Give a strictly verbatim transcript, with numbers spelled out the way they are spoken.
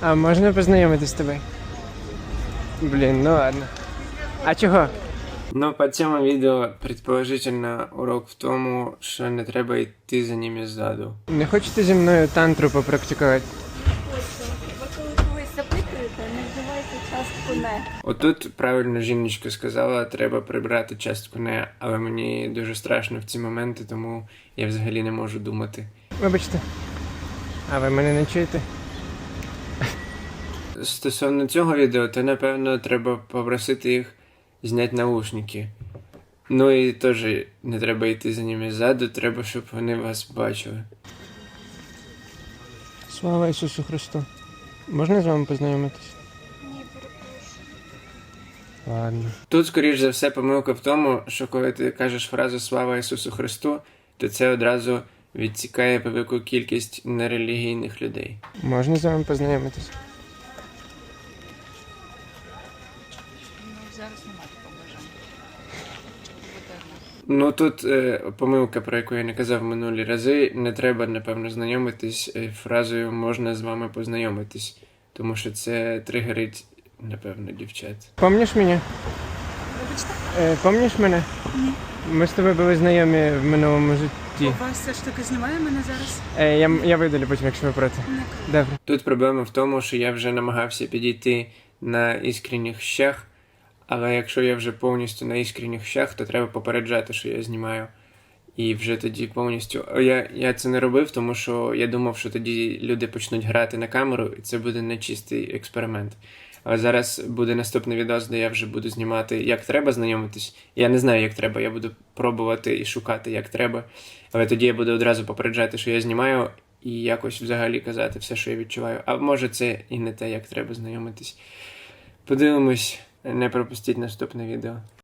А можна познайомитись з тобою? Блін, ну ладно. А чого? Ну, по цьому відео, предположительно, урок в тому, що не треба йти за ними ззаду. Не хочете зі мною тантру попрактикувати? Ви коли когось запитуєте, не вживайте частку «не». Отут правильно жіночка сказала, треба прибрати частку «не», але мені дуже страшно в ці моменти, тому я взагалі не можу думати. Вибачте, а ви мене не чуєте? Стосовно цього відео, то напевно треба попросити їх зняти наушники. Ну і теж не треба йти за ними ззаду, треба, щоб вони вас бачили. Слава Ісусу Христу. Можна з вами познайомитись? Ні, перепрошую. Ладно. Тут, скоріш за все, помилка в тому, що коли ти кажеш фразу «Слава Ісусу Христу», то це одразу відсікає велику кількість нерелігійних людей. Можна з вами познайомитись? Ну, зараз немає такого бажання. Ну тут е, помилка, про яку я не казав минулі рази, не треба, напевно, знайомитись е, фразою «можна з вами познайомитись», тому що це тригерить, напевно, дівчат. Помніш мене? Вибачте? Е, помніш мене? Ні. Ми з тобою були знайомі в минулому житті. У вас ця штука знімає мене зараз? Е, я, я видалю потім, якщо ви проти. Не. Добре. Тут проблема в тому, що я вже намагався підійти на іскренніх щах, але якщо я вже повністю на іскренніх щах, то треба попереджати, що я знімаю. І вже тоді повністю... Я, я це не робив, тому що я думав, що тоді люди почнуть грати на камеру, і це буде нечистий експеримент. Але зараз буде наступний відос, де я вже буду знімати, як треба знайомитись. Я не знаю, як треба, я буду пробувати і шукати, як треба. Але тоді я буду одразу попереджати, що я знімаю, і якось взагалі казати все, що я відчуваю. А може це і не те, як треба знайомитись. Подивимось, не пропустіть наступне відео.